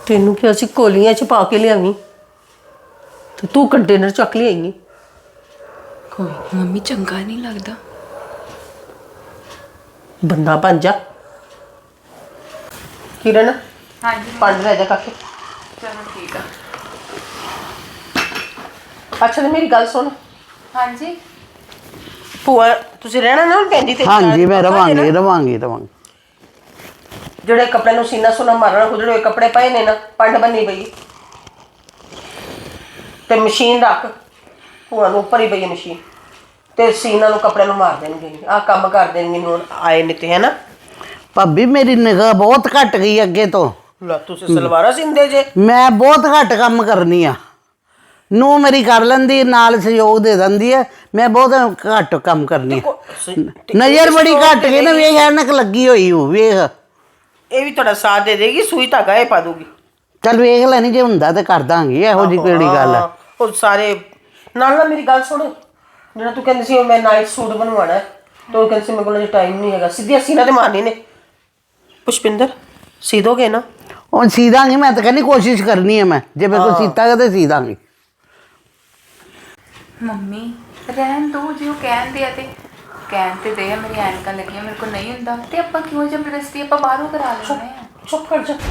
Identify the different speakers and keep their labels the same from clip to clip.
Speaker 1: ਤੈਨੂੰ ਕਿ ਅਸੀਂ ਕੋਲੀਆਂ ਚ ਪਾ ਕੇ ਲਿਆਵੀਂ ਤੇ ਤੂੰ ਕੰਟੇਨਰ ਚੱਕ ਲਿਆਈ।
Speaker 2: ਕੋਈ ਮੰਮੀ ਚੰਗਾ ਨਹੀਂ ਲੱਗਦਾ।
Speaker 1: ਬੰਦਾ ਬਣ ਜਾ। ਕਿਰਨ
Speaker 2: ਹਾਂਜੀ
Speaker 1: ਪੰਜ ਲੈ ਜਾ ਕਾਕੇ।
Speaker 2: ਚਲੋ ਠੀਕ ਆ।
Speaker 1: ਅੱਛਾ ਤੇ ਮੇਰੀ ਗੱਲ ਸੁਣ।
Speaker 2: ਹਾਂਜੀ
Speaker 1: ਭੂਆ ਤੁਸੀਂ ਰਹਿਣਾ ਨਾ ਭੈਣ ਤੇ?
Speaker 3: ਹਾਂਜੀ ਮੈਂ ਰਵਾਂਗੀ।
Speaker 1: ਜਿਹੜੇ ਕੱਪੜੇ ਨੂੰ ਸੀਨਾ ਸੁਨਾ ਮਾਰਨਾ ਖੁੱਲੜੇ ਹੋਏ ਕੱਪੜੇ ਪਏ ਨੇ ਨਾ, ਪੰਡ ਬੰਨੀ ਪਈ ਤੇ ਮਸ਼ੀਨ ਰੱਖ। ਭੂਆ ਨੂੰ ਉੱਪਰ ਹੀ ਪਈ ਮਸ਼ੀਨ ਤੇ ਸੀਨਾ ਨੂੰ ਕੱਪੜੇ ਨੂੰ ਮਾਰ ਦੇਣਗੇ। ਆਹ ਕੰਮ ਕਰ ਦੇਣਗੇ ਨੂੰ ਆਏ ਨੇ ਤੇ, ਹੈ ਨਾ
Speaker 3: ਭਾਬੀ ਮੇਰੀ ਨਿਗਾਹ ਬਹੁਤ ਘਟ ਗਈ ਅੱਗੇ ਤੋਂ।
Speaker 1: ਲੈ ਤੁਸੀਂ ਸਲਵਾਰਾਂ ਸਿੰਦੇ ਜੇ।
Speaker 3: ਮੈਂ ਬਹੁਤ ਘੱਟ ਕੰਮ ਕਰਨੀ ਆ। ਨੂੰ ਮੇਰੀ ਕਰ ਲੈਂਦੀ ਨਾਲ ਸਹਿਯੋਗ ਦੇ ਦਿੰਦੀ ਹੈ। ਮੈਂ ਬਹੁਤ ਘੱਟ ਕੰਮ ਕਰਨੀ ਆ। ਨਜ਼ਰ ਬੜੀ ਘੱਟ ਗਈ ਨਾ, ਵੇਖ ਐਨਕ ਲੱਗੀ ਹੋਈ ਹੂੰ ਵੇਖ।
Speaker 1: ਇਹ ਵੀ ਤੁਹਾਡਾ ਸਾਥ ਦੇ ਦੇਗੀ, ਸੂਈ ਧਾਗਾ ਇਹ ਪਾ ਦੂਗੀ।
Speaker 3: ਚੱਲ ਵੇਖ ਲੈਣੀ ਜੇ ਹੁੰਦਾ ਤੇ ਕਰ ਦਾਂਗੀ, ਇਹੋ ਜਿਹੀ ਕਿਹੜੀ ਗੱਲ ਹੈ।
Speaker 1: ਉਹ ਸਾਰੇ ਨਾਲ ਮੇਰੀ ਗੱਲ ਸੁਣ। ਜਿਹੜਾ ਤੂੰ ਕਹਿੰਦੀ ਸੀ ਮੈਂ ਨਾਈਟ ਸੂਟ ਬਣਵਾਉਣਾ ਤੇ ਉਹ ਕਹਿੰਦੀ ਸੀ ਮੇਰੇ ਕੋਲ ਟਾਈਮ ਨਹੀਂ ਹੈਗਾ, ਸਿੱਧੀਆਂ ਸੀਨਾ ਤੇ ਮਾਰਨੀ ਨੇ। ਪੁਸ਼ਪਿੰਦਰ ਸੀ ਦੋਗੇ ਨਾ?
Speaker 3: ਹੁਣ ਸੀ ਦਾਂਗੀ, ਮੈਂ ਤਾਂ ਕਹਿੰਦੀ ਕੋਸ਼ਿਸ਼ ਕਰਨੀ ਹੈ। ਮੈਂ ਜੇ ਮੇਰੇ ਕੋਲ ਸੀਤਾ ਤੇ ਸੀ ਦਾਂਗੀ।
Speaker 2: ਮੰਮੀ ਰਹਿਣ ਦੋ, ਜੇ ਉਹ ਕਹਿੰਦੇ ਆ ਤੇ ਕਹਿਣ ਤੇ ਦੇ। ਮੇਰੀ ਐਨਕਾਂ ਲੱਗੀਆਂ, ਮੇਰੇ ਕੋਲ ਨਹੀਂ ਹੁੰਦਾ ਤੇ ਆਪਾਂ ਕਿਉਂ ਜ਼ਬਰਦਸਤੀ ਆਪਾਂ ਬਾਹਰੋਂ ਕਰਾ ਲੈਂਦੇ ਆ।
Speaker 1: ਚੁੱਪ ਕਰ ਜਾ।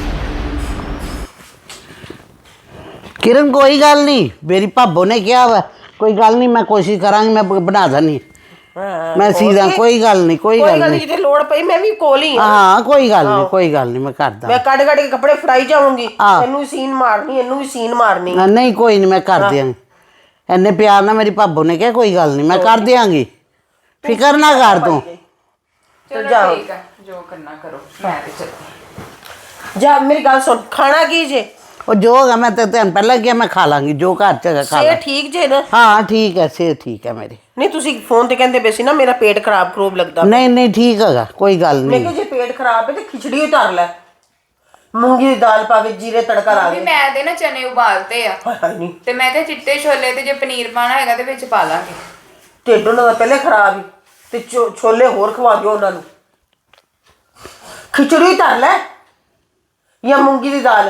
Speaker 3: ਕਿਰਨ ਕੋਈ ਗੱਲ ਨਹੀਂ, ਮੇਰੀ ਭਾਬੋ ਨੇ ਕਿਹਾ ਵਾ ਕੋਈ ਗੱਲ ਨਹੀਂ, ਮੈਂ ਕੋਸ਼ਿਸ਼ ਕਰਾਂਗੀ, ਮੈਂ ਬਣਾ ਦਾਂਗੀ। ਮੈਂ ਸੀਦਾ ਕੋਈ ਗੱਲ ਨਹੀਂ, ਕੋਈ ਗੱਲ ਨਹੀਂ।
Speaker 1: ਜਿੱਥੇ ਲੋੜ ਪਈ ਮੈਂ ਵੀ ਕੋਲ ਹੀ
Speaker 3: ਹਾਂ ਕੋਈ ਗੱਲ ਨਹੀਂ, ਕੋਈ ਗੱਲ ਨਹੀਂ, ਮੈਂ ਕਰਦਾ।
Speaker 1: ਮੈਂ ਕੱਢ ਕੇ ਕੱਪੜੇ ਫੜਾਈ ਜਾਵਾਂਗੀ। ਇਹਨੂੰ ਵੀ ਸੀਨ ਮਾਰਨੀ, ਇਹਨੂੰ ਵੀ ਸੀਨ ਮਾਰਨੀ।
Speaker 3: ਨਹੀਂ ਕੋਈ ਨਹੀਂ, ਮੈਂ ਕਰ ਦਿਆਂਗੀ। ਇੰਨੇ ਪਿਆਰ ਨਾਲ ਮੇਰੀ ਭਾਬੋ ਨੇ ਕਿਹਾ ਕੋਈ ਗੱਲ ਨਹੀਂ, ਮੈਂ ਕਰ ਦਿਆਂਗੀ, ਫਿਕਰ ਨਾ ਕਰ ਤੂੰ।
Speaker 2: ਚਲੋ ਠੀਕ ਆ, ਜੋ ਕਰਨਾ ਕਰੋ। ਮੈਂ ਤੇ ਚੱਲਦੀ
Speaker 1: ਜਾ। ਮੇਰੀ ਗੱਲ ਸੁਣ, ਖਾਣਾ ਕੀ ਜੇ?
Speaker 3: ਉਹ ਜੋ ਹੋਗਾ ਮੈਂ ਤੇ ਤੈਨੂੰ ਪਹਿਲਾਂ ਕਿਹਾ ਮੈਂ ਖਾ ਲਾਂਗੀ, ਜੋ ਘਰ ਚ ਹੈਗਾ ਖਾ ਲਾਂ।
Speaker 1: ਠੀਕ ਜੇ ਨਾ?
Speaker 3: ਹਾਂ ਠੀਕ ਹੈ, ਸਿਹਤ ਠੀਕ ਹੈ ਮੇਰੀ।
Speaker 1: ਨਹੀਂ ਤੁਸੀਂ ਫੋਨ ਤੇ ਕਹਿੰਦੇ ਪਏ ਸੀ ਨਾ ਮੇਰਾ ਪੇਟ ਖਰਾਬ ਲੱਗਦਾ।
Speaker 3: ਨਹੀਂ ਠੀਕ ਹੈਗਾ, ਕੋਈ ਗੱਲ
Speaker 1: ਮੈਂ
Speaker 3: ਨਹੀਂ।
Speaker 1: ਕਿਹਾ ਜੇ ਪੇਟ ਖਰਾਬ ਹੈ ਤੇ ਖਿਚੜੀ ਉਤਾਰ ਲੈ, ਮੂੰਗੀ ਦੀ ਦਾਲ ਪਾ ਕੇ ਜੀਰੇ ਤੜਕਾ ਲਾ
Speaker 2: ਆ।
Speaker 1: ਦੇ।
Speaker 2: ਮੈਂ ਤੇ ਨਾ ਚਨੇ ਉਬਾਲਤੇ ਆ
Speaker 1: ਹਾਏ ਨਹੀਂ
Speaker 2: ਤੇ ਮੈਂ ਤੇ ਚਿੱਟੇ ਛੋਲੇ ਤੇ ਜੇ ਪਨੀਰ ਪਾਣਾ ਹੈਗਾ ਤੇ ਵਿੱਚ ਪਾ ਲਾਂਗੇ।
Speaker 1: ਢਿੱਡ ਉਹਨਾਂ ਦਾ ਪਹਿਲੇ ਖਰਾਬ ਹੀ ਤੇ ਛੋਲੇ ਹੋਰ ਖਵਾ ਦਿਓ ਉਹਨਾਂ ਨੂੰ। ਖਿਚੜੀ ਧਰ ਲੈ ਜਾਂ ਮੂੰਗੀ ਦੀ ਦਾਲ,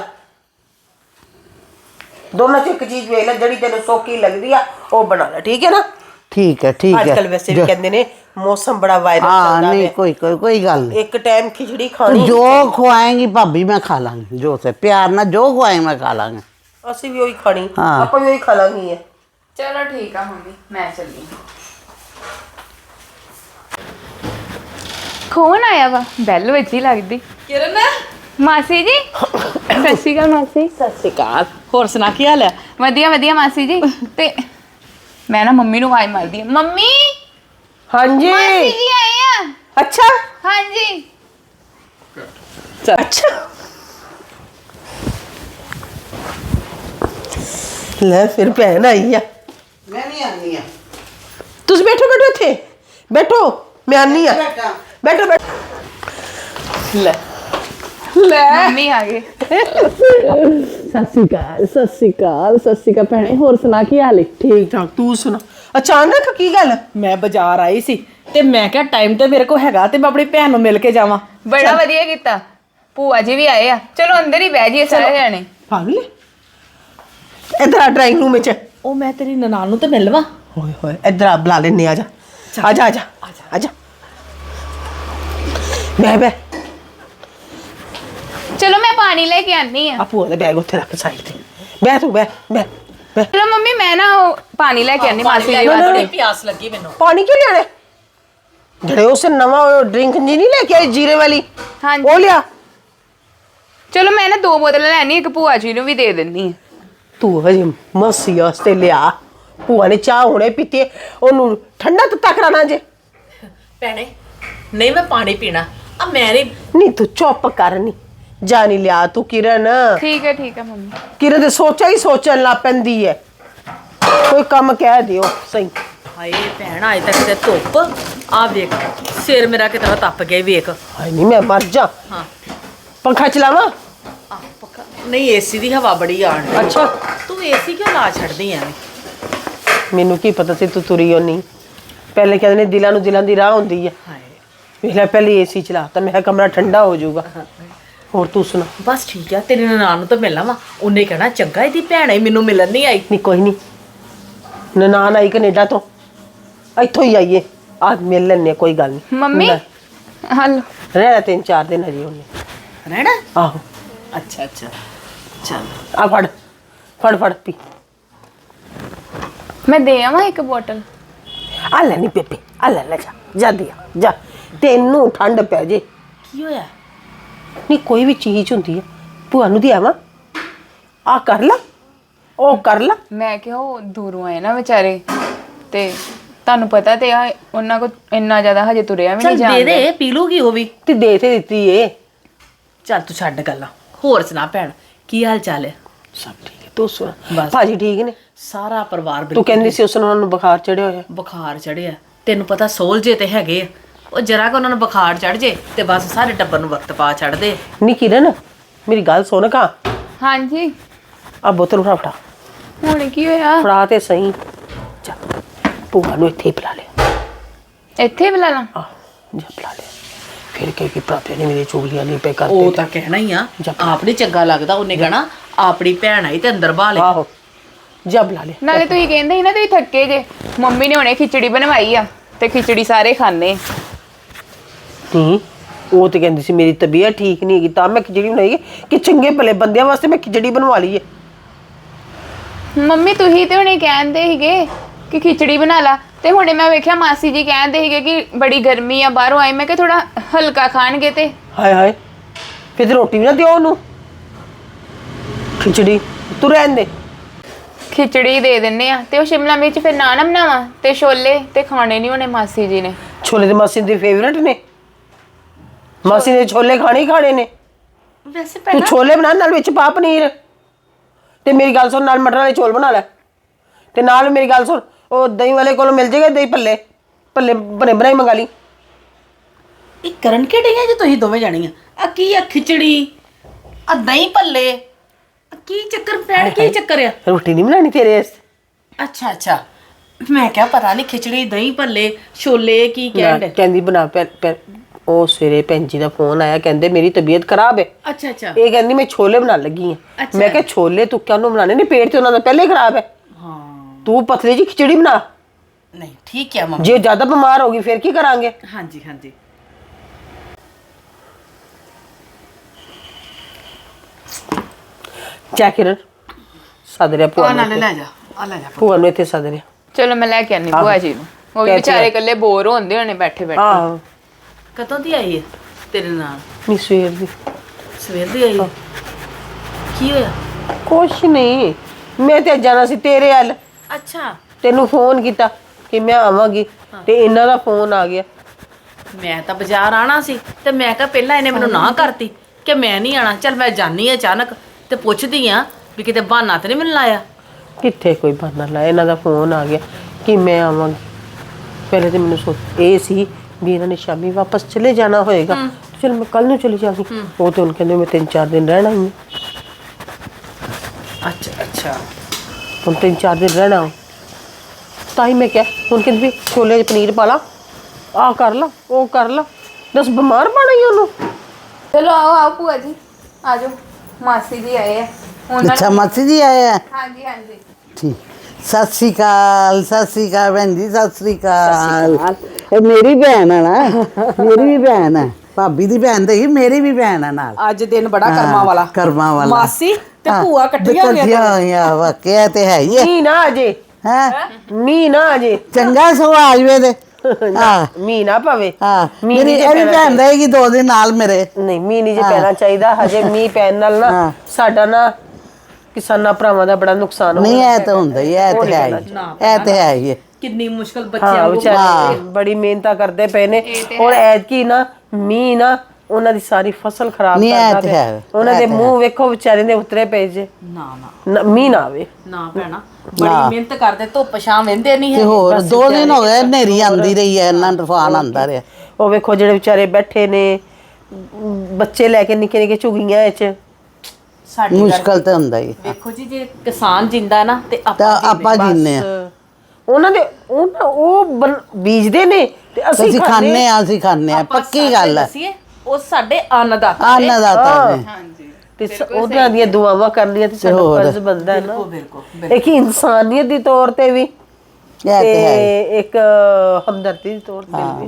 Speaker 1: ਦੋਨਾਂ ਚ ਇੱਕ ਚੀਜ਼ ਵੇਖ ਲੈ ਜਿਹੜੀ ਤੈਨੂੰ ਸੌਖੀ ਲੱਗਦੀ ਆ ਉਹ ਬਣਾ ਲੈ, ਠੀਕ ਹੈ ਨਾ?
Speaker 3: ਠੀਕ ਹੈ ਠੀਕ ਹੈ।
Speaker 1: ਅੱਜ ਕੱਲ ਵੈਸੇ ਵੀ ਕਹਿੰਦੇ ਨੇ ਮੌਸਮ ਬੜਾ ਵਾਇਰਲ
Speaker 3: ਹਾਂ
Speaker 1: ਚੱਲਦਾ
Speaker 3: ਨਹੀਂ
Speaker 1: ਹੈ।
Speaker 3: ਕੋਈ ਗੱਲ ਨਹੀਂ।
Speaker 1: ਇੱਕ ਟਾਈਮ ਖਿਚੜੀ ਖਾਣੀ।
Speaker 3: ਜੋ ਖਵਾਏਂਗੀ ਭਾਬੀ ਮੈਂ ਖਾ ਲਾਂਗੀ, ਜੋ ਸੇ ਪਿਆਰ ਨਾਲ ਜੋ ਖਵਾਏ ਮੈਂ ਖਾ ਲਾਂਗੀ।
Speaker 1: ਅਸੀਂ ਵੀ ਉਹੀ ਖਾਣੀ,
Speaker 3: ਹਾਂ।
Speaker 1: ਆਪਾਂ ਵੀ ਉਹੀ ਖਾ ਲਾਂਗੇ।
Speaker 2: ਚਲੋ ਠੀਕ ਆ ਮੰਮੀ, ਮੈਂ ਚੱਲੀ। ਕੌਣ ਆਇਆ ਵਾ? ਬੈਲ ਵੱਜੀ ਲੱਗਦੀ।
Speaker 4: ਕਿਰਨ
Speaker 2: ਮਾਸੀ ਜੀ ਸਤਿ ਸ਼੍ਰੀ ਅਕਾਲ। ਮਾਸੀ
Speaker 4: ਸਤਿ ਸ਼੍ਰੀ ਅਕਾਲ। ਹੋਰ ਸੁਣਾ ਕੀ ਹਾਲ ਹੈ?
Speaker 2: ਵਧੀਆ ਵਧੀਆ ਮਾਸੀ ਜੀ। ਤੇ ਮੈਂ ਨਾ ਮੰਮੀ ਨੂੰ ਆਵਾਜ਼ ਮਾਰਦੀ ਆ। ਮੰਮੀ
Speaker 1: ਹਾਂਜੀ
Speaker 2: ਮਾਸੀ ਜੀ ਆਏ ਆ।
Speaker 1: ਅੱਛਾ
Speaker 2: ਹਾਂਜੀ
Speaker 1: ਅੱਛਾ ਲੈ ਫਿਰ ਭੈਣ ਆਈ ਆ।
Speaker 3: ਮੈਂ ਵੀ ਆਨੀ ਆ।
Speaker 1: ਤੁਸੀਂ ਬੈਠੋ ਇੱਥੇ ਬੈਠੋ, ਮੈਂ ਆਨੀ ਆ। ਬੈਠੋ ਲੈ
Speaker 2: ਮੰਮੀ ਆ ਗਏ।
Speaker 4: ਸਤਿ ਸ਼੍ਰੀ ਅਕਾਲ ਭੈਣੇ। ਹੋਰ ਸੁਣਾ ਕੀ ਹਾਲ ਹੈ?
Speaker 1: ਠੀਕ ਠਾਕ, ਤੂੰ ਸੁਣਾ। ਅਚਾਨਕ ਕੀ ਗੱਲ?
Speaker 4: ਮੈਂ ਬਾਜ਼ਾਰ ਆਈ ਸੀ ਤੇ ਮੈਂ ਕਿਹਾ ਟਾਈਮ ਤੇ ਮੇਰੇ ਕੋਲ ਹੈਗਾ ਤੇ ਮੈਂ ਆਪਣੀ ਭੈਣ ਨੂੰ ਮਿਲ ਕੇ ਜਾਵਾਂ।
Speaker 2: ਬੜਾ ਵਧੀਆ ਕੀਤਾ। ਭੂਆ ਜੀ ਵੀ ਆਏ ਆ, ਚਲੋ ਅੰਦਰ ਹੀ ਬਹਿ ਜਾਈਏ ਸਾਰੇ ਜਾਣੇ।
Speaker 1: ਪਾਗਲ ਇੱਧਰ ਆ ਡਰਾਇੰਗ ਰੂਮ ਵਿੱਚ।
Speaker 4: ਉਹ ਮੈਂ ਤੇਰੀ ਨਨਾਣ ਨੂੰ ਤੇ ਮਿਲ ਲਵਾਂ।
Speaker 1: ਹੋਏ ਹੋਏ ਇੱਧਰ ਆ, ਬੁਲਾ ਲੈਨੇ। ਆ ਜਾ ਆ ਜਾ ਆ ਜਾ ਆ ਜਾ। ਬੈ
Speaker 2: ਚਲੋ ਮੈਂ ਪਾਣੀ ਲੈ ਕੇ ਆਨੀ ਆ।
Speaker 1: ਆ ਭੂਆ ਦਾ ਬੈਗ ਉੱਥੇ ਰੱਖ ਸਾਈਡ ਤੇ। ਬੈ ਤੂੰ ਬੈ।
Speaker 2: ਚਲੋ ਮੰਮੀ ਮੈਂ ਨਾ ਉਹ ਪਾਣੀ ਲੈ ਕੇ ਆਨੀ ਮਾਸੀ ਜੀ
Speaker 1: ਨਾ,
Speaker 2: ਵਾਸਤੇ।
Speaker 4: ਪਿਆਸ ਲੱਗੀ ਮੈਨੂੰ।
Speaker 1: ਪਾਣੀ ਕਿਉਂ ਲਿਆਣੇ? ਜਿਹੜੇ ਉਸ ਨਵਾਂ ਡਰਿੰਕ ਜੀ ਨਹੀਂ ਲੈ ਕੇ ਆਈ ਜੀਰੇ ਵਾਲੀ,
Speaker 2: ਹਾਂਜੀ
Speaker 1: ਉਹ ਲਿਆ।
Speaker 2: ਚਲੋ ਮੈਂ ਨਾ 2 ਬੋਤਲਾਂ ਲੈਣੀ, ਇੱਕ ਭੂਆ ਜੀ ਨੂੰ ਵੀ ਦੇ ਦਿੰਨੀ ਆ।
Speaker 1: ਤੂੰ ਹਜੇ ਮਾਸੀ ਵਾਸਤੇ ਲਿਆ। ਭੂਆ ਨੇ ਚਾਹ ਹੁਣੇ ਪੀਤੀ, ਉਹਨੂੰ ਠੰਡਾ ਤੱਤਾ ਕਰਾਣਾ ਜੇ।
Speaker 4: ਭੈਣੇ ਨਹੀਂ ਮੈਂ ਪਾਣੀ ਪੀਣਾ ਆ। ਮੈਂ
Speaker 1: ਨਹੀਂ ਤੂੰ ਚੁੱਪ ਕਰ, ਨਹੀਂ ਜਾ ਨਹੀਂ ਲਿਆ ਤੂੰ। ਕਿਰਨ
Speaker 2: ਠੀਕ ਹੈ ਮੰਮੀ।
Speaker 1: ਕਿਰਨ ਦੇ ਸੋਚਣ ਲੱਗ ਪੈਂਦੀ ਹੈ। ਕੋਈ ਕੰਮ ਕਹਿ ਦਿਓ ਸਹੀ।
Speaker 4: ਹਾਏ ਭੈਣ ਅਜੇ ਤੱਕ ਤੇ ਧੁੱਪ ਆ ਵੇਖ, ਸਿਰ ਮੇਰਾ ਕਿਤਨਾ ਤਪ ਗਿਆ ਵੇਖ।
Speaker 1: ਹਾਏ ਨਹੀਂ ਮੈਂ ਮਰ ਜਾ।
Speaker 4: ਹਾਂ
Speaker 1: ਪੰਖਾ ਚਲਾਵਾਂ?
Speaker 4: ਆ ਪੱਕਾ ਨਹੀਂ, ਏਸੀ ਦੀ ਹਵਾ ਬੜੀ ਆਣ ਡਈ।
Speaker 1: ਅੱਛਾ
Speaker 4: ਤੂੰ ਏਸੀ ਕਿਉਂ ਲਾ ਛੱਡਦੀ ਐਵੇਂ?
Speaker 1: ਮੈਨੂੰ ਕੀ ਪਤਾ ਸੀ ਤੂੰ ਤੁਰੀ ਹੋ ਨਹੀਂ। ਪਹਿਲੇ ਕਹਿੰਦੇ ਨੇ ਦਿਲਾਂ ਦੀ ਰਾਹ ਹੁੰਦੀ ਹੈ।
Speaker 4: ਹਾਏ
Speaker 1: ਵੇਖ ਲੈ ਪਹਿਲੇ ਏਸੀ ਚਲਾ ਤਾਂ ਮੈਂ ਕਿਹਾ ਕਮਰਾ ਠੰਡਾ ਹੋ ਜਾਊਗਾ। ਹੋਰ ਤੂੰ ਸੁਣਾ?
Speaker 5: ਬਸ ਠੀਕ ਆ, ਤੇਰੀ ਨਨਾਣ ਨੂੰ ਤਾਂ ਮਿਲਣਾ ਵਾ, ਉਹਨੇ ਕਹਿਣਾ ਚੰਗਾ ਇਹਦੀ ਭੈਣ ਹੀ ਮੈਨੂੰ ਮਿਲਣ ਨਹੀਂ ਆਈ।
Speaker 1: ਨਹੀਂ ਕੋਈ ਨਹੀਂ, ਨਨਾਣ ਆਈ ਕੈਨੇਡਾ ਤੋਂ, ਇੱਥੋਂ ਹੀ ਆਈਏ, ਆ ਮਿਲ ਲੈਣੇ ਆ, ਕੋਈ ਗੱਲ ਨਹੀਂ।
Speaker 2: ਮੰਮੀ ਹਲੋ
Speaker 1: ਰਹਿਣਾ 3-4 ਦਿਨ ਹਜੇ ਉਹਨੇ।
Speaker 5: ਰਹਿਣਾ?
Speaker 1: ਆਹੋ
Speaker 5: ਅੱਛਾ ਅੱਛਾ, ਚੱਲ
Speaker 1: ਆ ਫੜ ਫੜ ਫੜ ਪੀ।
Speaker 2: ਮੈਂ ਦੇ ਆਵਾਂ ਇੱਕ ਬੋਤਲ?
Speaker 1: ਆ ਲੈ ਨੀ ਬੇਬੇ, ਆ ਲੈ ਲੈ, ਜਾ ਦਿਆ ਜਾ, ਤੈਨੂੰ ਠੰਡ ਪੈ ਜੇ।
Speaker 5: ਕੀ ਹੋਇਆ?
Speaker 1: ਨਹੀਂ ਕੋਈ ਵੀ ਚੀਜ਼ ਹੁੰਦੀ ਹੈ ਭੂਆ ਨੂੰ ਦਿਆਵਾਂ, ਆ ਕਰ ਲਾ, ਉਹ ਕਰ ਲਾ।
Speaker 2: ਮੈਂ ਕਿਹਾ ਉਹ ਦੂਰੋਂ ਆਏ ਨਾ ਵਿਚਾਰੇ, ਤੇ ਤੁਹਾਨੂੰ ਪਤਾ ਤੇ ਆ ਉਹਨਾਂ ਕੋ ਇੰਨਾ ਜ਼ਿਆਦਾ ਹਜੇ ਤੁਰਿਆ ਵੀ
Speaker 5: ਚੱਲ
Speaker 2: ਨਹੀਂ
Speaker 5: ਦੇ
Speaker 2: ਜਾਂਦਾ।
Speaker 5: ਦੇ, ਪੀ ਲੂਗੀ ਉਹ ਵੀ।
Speaker 1: ਤੇ ਦੇ ਤੇ ਦਿੱਤੀ ਏ।
Speaker 5: ਚੱਲ ਤੂੰ ਛੱਡ ਗੱਲਾਂ, ਹੋਰ ਸੁਣਾ ਭੈਣ, ਕੀ ਹਾਲ ਚਾਲ ਹੈ?
Speaker 1: ਸਭ ਠੀਕ ਹੈ, ਤੂੰ ਸੁਣ।
Speaker 5: ਬਸ।
Speaker 1: ਭਾਜੀ ਠੀਕ ਨੇ?
Speaker 5: ਸਾਰਾ ਪਰਿਵਾਰ
Speaker 1: ਤੂੰ
Speaker 5: ਬਿਲਕੁਲ
Speaker 1: ਕਹਿੰਦੀ ਸੀ ਉਸ ਨੂੰ ਉਹਨਾਂ ਨੂੰ ਬੁਖਾਰ ਚੜਿਆ ਹੋਇਆ।
Speaker 5: ਬੁਖਾਰ ਚੜਿਆ, ਤੈਨੂੰ ਪਤਾ ਸੋਲ ਜੇ ਤੇ ਹੈਗੇ ਆ, ਉਹ ਜਰਾ ਕਿ ਉਹਨਾਂ ਨੂੰ ਬੁਖਾਰ ਚੜ ਜੇ ਤੇ ਬਸ ਸਾਰੇ ਟੱਬਰ ਨੂੰ ਵਕਤ ਪਾ ਛੱਡਦੇ।
Speaker 1: ਨੀ ਕਿਰਨ, ਮੇਰੀ ਗੱਲ ਸੁਣ ਕਾ,
Speaker 2: ਹਾਂਜੀ
Speaker 1: ਆ ਬੋਤਲ ਉਠਾ ਫੜਾ,
Speaker 2: ਹੁਣ ਕੀ ਹੋਇਆ?
Speaker 1: ਫੜਾ ਤੇ ਸਹੀ। ਜਾ ਭੂਆ ਨੂੰ ਇੱਥੇ ਹੀ ਪਿਲਾ ਲਿਆ।
Speaker 2: ਇੱਥੇ ਬੁਲਾ ਲਾਂ?
Speaker 1: ਆ ਜਾ ਪਿਲਾ ਲਿਆ, ਫਿਰ ਕਿ ਪ੍ਰਾਪੇ ਨੇ ਮੇਰੀ ਚੁਗਲੀਆਂ ਨਹੀਂ ਪੇ
Speaker 5: ਉਹ
Speaker 1: ਕਰਦੇ।
Speaker 5: ਤਾਂ ਕਹਿਣਾ ਹੀ ਆ, ਆਪ ਨੀ ਚੰਗਾ ਲੱਗਦਾ, ਉਹਨੇ ਕਹਿਣਾ ਆਪਣੀ ਭੈਣ ਆਈ ਤੇ ਅੰਦਰ ਬਾਹ ਲੈ।
Speaker 1: ਆਹੋ ਜਾ ਬੁਲਾ ਲਿਆ।
Speaker 2: ਨਾਲੇ ਤੁਸੀਂ ਕਹਿੰਦੇ ਸੀ ਨਾ ਤੁਸੀਂ ਥੱਕੇ ਜੇ, ਮੰਮੀ ਨੇ ਹੁਣੇ ਖਿਚੜੀ ਬਣਵਾਈ ਆ ਤੇ ਖਿਚੜੀ ਸਾਰੇ ਖਾਣੇ।
Speaker 1: ਨਹੀਂ ਉਹ ਤੇ ਕਹਿੰਦੀ ਸੀ ਮੇਰੀ ਤਬੀਅਤ ਠੀਕ ਨਹੀਂ ਹੈਗੀ ਤਾਂ ਮੈਂ ਖਿਚੜੀ ਬਣਾਈ ਕਿ ਚੰਗੇ ਭਲੇ ਬੰਦਿਆਂ ਵਾਸਤੇ ਮੈਂ ਖਿਚੜੀ ਬਣਵਾ ਲਈ ਹੈ।
Speaker 2: ਮੰਮੀ ਤੁਸੀਂ ਤੇ ਹੁਣੇ ਕਹਿੰਦੇ ਸੀਗੇ ਕਿ ਖਿਚੜੀ ਬਣਾ ਲਾ, ਤੇ ਹੁਣੇ ਮੈਂ ਵੇਖਿਆ ਮਾਸੀ ਜੀ ਕਹਿੰਦੇ ਸੀਗੇ ਕਿ ਬੜੀ ਗਰਮੀ ਆ, ਬਾਹਰੋਂ ਆਏ, ਮੈਂ ਕਿਹਾ ਥੋੜਾ ਹਲਕਾ ਖਾਣਗੇ ਤੇ।
Speaker 1: ਹਾਏ ਹਾਏ, ਫਿਰ ਤੇ ਰੋਟੀ ਵੀ ਨਾ ਦਿਓ ਉਹਨੂੰ, ਖਿਚੜੀ ਤੂੰ ਰਹਿਣ ਦੇ।
Speaker 2: ਖਿਚੜੀ ਦੇ ਦਿੰਨੇ ਆ, ਤੇ ਉਹ ਸ਼ਿਮਲਾ ਮਿਰਚ ਫਿਰ ਨਾ ਬਣਾਵਾਂ, ਤੇ ਛੋਲੇ ਤੇ ਖਾਣੇ ਨਹੀਂ ਹੋਣੇ ਮਾਸੀ ਜੀ ਨੇ।
Speaker 1: ਛੋਲੇ ਤੇ ਮਾਸੀ ਦੇ ਫੇਵਰੇਟ ਨੇ, ਮਾਸੀ ਨੇ ਛੋਲੇ ਖਾਣੇ ਹੀ ਖਾਣੇ ਨੇ।
Speaker 5: ਵੈਸੇ
Speaker 1: ਤੂੰ ਛੋਲੇ ਬਣਾ, ਨਾਲ ਵਿੱਚ ਪਾ ਪਨੀਰ, ਤੇ ਮੇਰੀ ਗੱਲ ਸੁਣ, ਨਾਲ ਮਟਰ ਵਾਲੇ ਚੌਲ ਬਣਾ ਲੈ, ਤੇ ਨਾਲ ਮੇਰੀ ਗੱਲ ਸੁਣ, ਉਹ ਦਹੀਂ ਵਾਲੇ ਕੋਲੋਂ ਮਿਲ ਜਾਏਗਾ ਦਹੀਂ ਭੱਲੇ, ਭੱਲੇ ਬਣੇ ਬਣਾਈ ਮੰਗਾ ਲਈ।
Speaker 5: ਇਹ ਕਰਨ ਕਿ ਡਈਆਂ ਜੇ ਤੁਸੀਂ ਦੋਵੇਂ ਜਾਣੀਆਂ? ਆ ਕੀ ਆ ਖਿਚੜੀ, ਆ ਦਹੀਂ ਭੱਲੇ, ਆਹ ਕੀ ਚੱਕਰ ਪੈਣ, ਕੀ ਚੱਕਰ ਆ?
Speaker 1: ਰੋਟੀ ਨਹੀਂ ਬਣਾਣੀ ਤੇਰੇ ਵਾਸਤੇ?
Speaker 5: ਅੱਛਾ ਅੱਛਾ, ਮੈਂ ਕਿਹਾ ਪਤਾ ਨਹੀਂ ਖਿਚੜੀ ਦਹੀਂ ਭੱਲੇ ਛੋਲੇ ਕੀ ਕਹਿੰਦੇ।
Speaker 1: ਕਹਿੰਦੀ ਬਣਾ ਉਹ ਸਵੇਰੇ ਭੈਣ ਜੀ ਦਾ ਫੋਨ ਆਇਆ, ਕਹਿੰਦੇ ਮੇਰੀ ਤਬੀਅਤ ਖਰਾਬ ਹੈ।
Speaker 5: ਅੱਛਾ ਅੱਛਾ,
Speaker 1: ਇਹ ਕਹਿੰਦੀ ਮੈਂ ਛੋਲੇ ਬਣਾਉਣ ਲੱਗੀ ਹਾਂ। ਮੈਂ ਕਿਹਾ ਛੋਲੇ ਤੂੰ ਕਿਉਂ ਬਣਾਣੇ ਨੇ, ਪੇਟ ਤੇ ਉਹਨਾਂ ਦਾ ਪਹਿਲੇ ਹੀ ਖਰਾਬ ਹੈ।
Speaker 5: ਹਾਂ
Speaker 1: ਤੂੰ ਪਤਲੀ ਜੀ ਖਿਚੜੀ ਬਣਾ।
Speaker 5: ਨਹੀਂ ਠੀਕ ਹੈ ਮੰਮੀ।
Speaker 1: ਜੇ ਜ਼ਿਆਦਾ ਬਿਮਾਰ ਹੋ ਗਈ ਫਿਰ ਕੀ ਕਰਾਂਗੇ?
Speaker 5: ਹਾਂਜੀ ਹਾਂਜੀ,
Speaker 1: ਜਾ ਕਿਰਨ ਸੱਦ ਰਿਹਾ ਭੂਆ
Speaker 5: ਆ
Speaker 1: ਨੂੰ,
Speaker 5: ਲੈ ਲੈ ਜਾ, ਆ ਲੈ ਜਾ।
Speaker 1: ਭੂਆ ਨੂੰ ਇੱਥੇ ਸੱਦ ਰਿਹਾ।
Speaker 2: ਚਲੋ ਮੈਂ ਲੈ ਕੇ ਆਨੀ ਭੂਆ ਜੀ ਨੂੰ, ਉਹ ਵੀ
Speaker 1: ਕਹਿ
Speaker 2: ਵਿਚਾਰੇ
Speaker 1: ਤੇ-
Speaker 2: ਇਕੱਲੇ ਬੋਰ ਹੁੰਦੇ ਹੋਣੇ ਬੈਠੇ ਬੈਠੇ।
Speaker 1: ਆਹੋ
Speaker 5: ਕਦੋਂ ਦੀ ਆਈ ਹੈ ਤੇਰੇ ਨਾਲ?
Speaker 1: ਨਹੀਂ ਸਵੇਰ ਦੀ
Speaker 5: ਸਵੇਰ ਦੀ ਆਈ ਹੈ। ਕੀ ਹੋਇਆ?
Speaker 1: ਕੁਛ ਨਹੀਂ, ਮੈਂ ਤੇ ਜਾਣਾ ਸੀ ਤੇਰੇ ਵੱਲ,
Speaker 5: ਅੱਛਾ,
Speaker 1: ਤੈਨੂੰ ਫੋਨ ਕੀਤਾ ਕਿ ਮੈਂ ਆਵਾਂਗੀ, ਤੇ ਇਹਨਾਂ ਦਾ ਫੋਨ ਆ ਗਿਆ।
Speaker 5: ਮੈਂ ਤਾਂ ਬਾਜ਼ਾਰ ਆਣਾ ਸੀ ਤੇ ਮੈਂ ਕਿਹਾ ਪਹਿਲਾਂ ਇਹਨੇ ਮੈਨੂੰ ਨਾ ਕਰਤੀ ਕਿ ਮੈਂ ਨਹੀਂ ਆਣਾ। ਚੱਲ ਮੈਂ ਜਾਨੀ ਆ ਅਚਾਨਕ ਤੇ ਪੁੱਛਦੀ ਆ ਵੀ ਕਿਤੇ ਬਹਾਨਾ ਤੇ ਨਹੀਂ ਮੈਨੂੰ ਲਾਇਆ।
Speaker 1: ਕਿੱਥੇ ਕੋਈ ਬਹਾਨਾ ਲਾਇਆ, ਇਹਨਾਂ ਦਾ ਫੋਨ ਆ ਗਿਆ ਕਿ ਮੈਂ ਆਵਾਂਗੀ। ਪਹਿਲੇ ਤੇ ਮੈਨੂੰ ਸੋਚ ਇਹ ਸੀ ਵੀ ਇਹਨਾਂ ਨੇ ਸ਼ਾਮੀ ਵਾਪਸ ਚਲੇ ਜਾਣਾ ਹੋਏਗਾ, ਚਲ ਮੈਂ ਕੱਲ ਨੂੰ ਚਲੀ ਜਾਵਾਂਗੀ। ਉਹ ਤੇ ਹੁਣ ਕਹਿੰਦੇ ਮੈਂ 3-4 ਦਿਨ ਰਹਿਣਾ ਹੀ ਹੈ।
Speaker 5: ਅੱਛਾ ਅੱਛਾ,
Speaker 1: ਹੁਣ 3-4 ਦਿਨ ਰਹਿਣਾ ਵਾ। ਤਾਂ ਹੀ ਮੈਂ ਕਿਹਾ, ਹੁਣ ਕਹਿੰਦੇ ਵੀ ਛੋਲੇ 'ਚ ਪਨੀਰ ਪਾ ਲਾ, ਆਹ ਕਰ ਲਾ, ਉਹ ਕਰ ਲਾ, ਦੱਸ ਬਿਮਾਰ ਪਾਣਾ ਹੀ ਉਹਨੂੰ।
Speaker 2: ਚਲੋ ਆਓ ਆਓ ਭੂਆ ਜੀ, ਆ ਜਾਓ, ਮਾਸੀ ਜੀ ਆਏ ਆ ਉਹਨਾਂ
Speaker 3: ਅੱਛਾ ਮਾਸੀ ਜੀ ਆਏ ਆ?
Speaker 2: ਹਾਂਜੀ ਹਾਂਜੀ।
Speaker 3: ਠੀਕ, ਸਤਿ ਸ੍ਰੀ ਅਕਾਲ, ਸਤਿ ਸ੍ਰੀ ਅਕਾਲ ਭੈਣ ਜੀ, ਸਤਿ ਸ੍ਰੀ ਅਕਾਲ। ਇਹ ਮੇਰੀ ਭੈਣ ਆ ਨਾ, ਮੇਰੀ ਵੀ ਭੈਣ ਹੈ, ਭਾਬੀ ਦੀ ਭੈਣ ਤੇ ਹੀ ਮੇਰੀ ਵੀ ਭੈਣ ਹੈ ਨਾਲ।
Speaker 5: ਅੱਜ ਦਿਨ ਬੜਾ ਕਰਮਾਂ ਵਾਲਾ।
Speaker 3: ਕਰਮਾਂ ਵਾਲਾ।
Speaker 5: ਮਾਸੀ ਤੇ ਭੂਆ ਇਕੱਠੀਆਂ
Speaker 3: ਹੋਈਆਂ ਵਾਕਿਆ ਤੇ ਹੈ ਹੀ ਹੈ।
Speaker 1: ਮੀਂਹ ਨਾ ਅਜੇ,
Speaker 3: ਹੈ
Speaker 1: ਮੀਂਹ ਨਾ ਅਜੇ,
Speaker 3: ਚੰਗਾ ਸੋ ਆ ਜਵੇ ਤੇ ਹਾਂ
Speaker 1: ਮੀਂਹ ਨਾ ਪਵੇ।
Speaker 3: ਹਾਂ,
Speaker 1: ਮੀਂਹ
Speaker 3: ਮੇਰੀ
Speaker 1: ਨੀ ਜੇ
Speaker 3: ਇਹ ਵੀ
Speaker 1: ਪੈਣਾ
Speaker 3: ਭੈਣ ਰਹੇਗੀ 2 ਦਿਨ ਨਾਲ ਮੇਰੇ।
Speaker 1: ਨਹੀਂ ਮੀਂਹ ਨਹੀਂ ਜੇ ਪੈਣਾ ਚਾਹੀਦਾ ਹਜੇ। ਮੀਂਹ ਪੈਣ ਨਾਲ ਨਾ
Speaker 3: ਹਾਂ।
Speaker 1: ਸਾਡਾ ਨਾ ਕਿਸਾਨਾਂ ਭਰਾਵਾਂ ਦਾ ਬੜਾ ਨੁਕਸਾਨ ਹੋ
Speaker 3: ਨਹੀਂ ਇਹ ਤਾਂ ਹੁੰਦਾ ਹੀ ਹੈ, ਇਹ ਤੇ ਹੈ ਹੀ, ਇਹ ਤੇ ਹੈ ਹੀ ਹੈ।
Speaker 5: ਕਿੰਨੀ ਮੁਸ਼ਕਲ
Speaker 1: ਹਾਂ
Speaker 5: ਬੱਚਿਆਂ ਨੂੰ।
Speaker 1: ਵਿਚਾਰੇ ਬੜੀ ਮਿਹਨਤਾਂ ਕਰਦੇ ਪਏ ਨੇ, ਔਰ ਐਤਕੀ ਨਾ ਮੀਂਹ ਨਾ ਉਹਨਾਂ ਦੀ ਸਾਰੀ ਫਸਲ ਖਰਾਬ
Speaker 3: ਨਹੀਂ, ਇਹ
Speaker 1: ਕਰਦਾ
Speaker 3: ਤੇ
Speaker 1: ਪਿਆ।
Speaker 3: ਹੈ,
Speaker 1: ਉਹਨਾਂ ਦੇ ਮੂੰਹ ਵੇਖੋ ਵਿਚਾਰੇ ਦੇ ਉਤਰੇ ਪਏ ਜੇ।
Speaker 5: ਨਾ ਨਾ
Speaker 1: ਮੀਂਹ ਨਾ ਆਵੇ।
Speaker 5: ਨਾ ਭੈਣਾ, ਬੜੀ ਮਿਹਨਤ ਕਰਦੇ, ਧੁੱਪ ਛਾਂ ਵਹਿੰਦੇ ਨਹੀਂ
Speaker 3: ਤੇ
Speaker 5: ਹੈ।
Speaker 3: ਹੋਰ 2 ਦਿਨ ਹੋ ਗਏ ਹਨੇਰੀ ਆਂਦੀ ਰਹੀ ਹੈ, ਇੰਨਾ ਤੂਫਾਨ ਆਂਦਾ ਰਿਹਾ।
Speaker 1: ਉਹ ਵੇਖੋ ਜਿਹੜੇ ਵਿਚਾਰੇ ਬੈਠੇ ਨੇ, ਬੱਚੇ ਲੈ ਕੇ ਨਿੱਕੇ ਨਿੱਕੇ ਝੁਗੀਆਂ ਵਿੱਚ।
Speaker 5: ਸਾਡੀ
Speaker 3: ਮੁਸ਼ਕਲ ਤੇ ਹੁੰਦਾ ਹੀ ਹੈ।
Speaker 5: ਵੇਖੋ ਜੀ, ਜੇ ਕਿਸਾਨ ਜਿੰਦਾ ਨਾ ਤੇ
Speaker 3: ਤਾਂ
Speaker 5: ਆਪਾਂ
Speaker 3: ਆਪਾਂ ਜੀਨੇ ਆ,
Speaker 1: ਉਹਨਾਂ ਦੇ ਉਹ ਬੀਜਦੇ ਨੇ ਤੇ ਅਸੀਂ
Speaker 3: ਅਸੀਂ ਖਾਣੇ ਆ, ਅਸੀਂ ਖਾਣੇ ਆ, ਪੱਕੀ ਗੱਲ ਹੈ।
Speaker 5: ਦੱਸੀਏ ਉਹ ਸਾਡੇ ਅੰਨਦਾਤਾ ਨੇ।
Speaker 3: ਅੰਨਦਾਤਾ ਨੇ।
Speaker 2: ਹਾਂਜੀ
Speaker 1: ਤੇ ਉਹਨਾਂ ਦੀਆਂ ਦੁਆਵਾਂ ਕਰਨੀਆਂ ਤੇ ਸਾਡਾ ਫਰਜ਼ ਬਣਦਾ ਹੈ ਨਾ।
Speaker 5: ਬਿਲਕੁਲ
Speaker 1: ਇੱਕ ਇਨਸਾਨੀਅਤ ਦੀ ਤੌਰ ਤੇ ਵੀ
Speaker 3: ਇਹ ਤੇ ਹੈ।
Speaker 1: ਤੇ ਇੱਕ ਹਮਦਰਦੀ ਦੀ ਤੌਰ ਤੇ ਵੀ।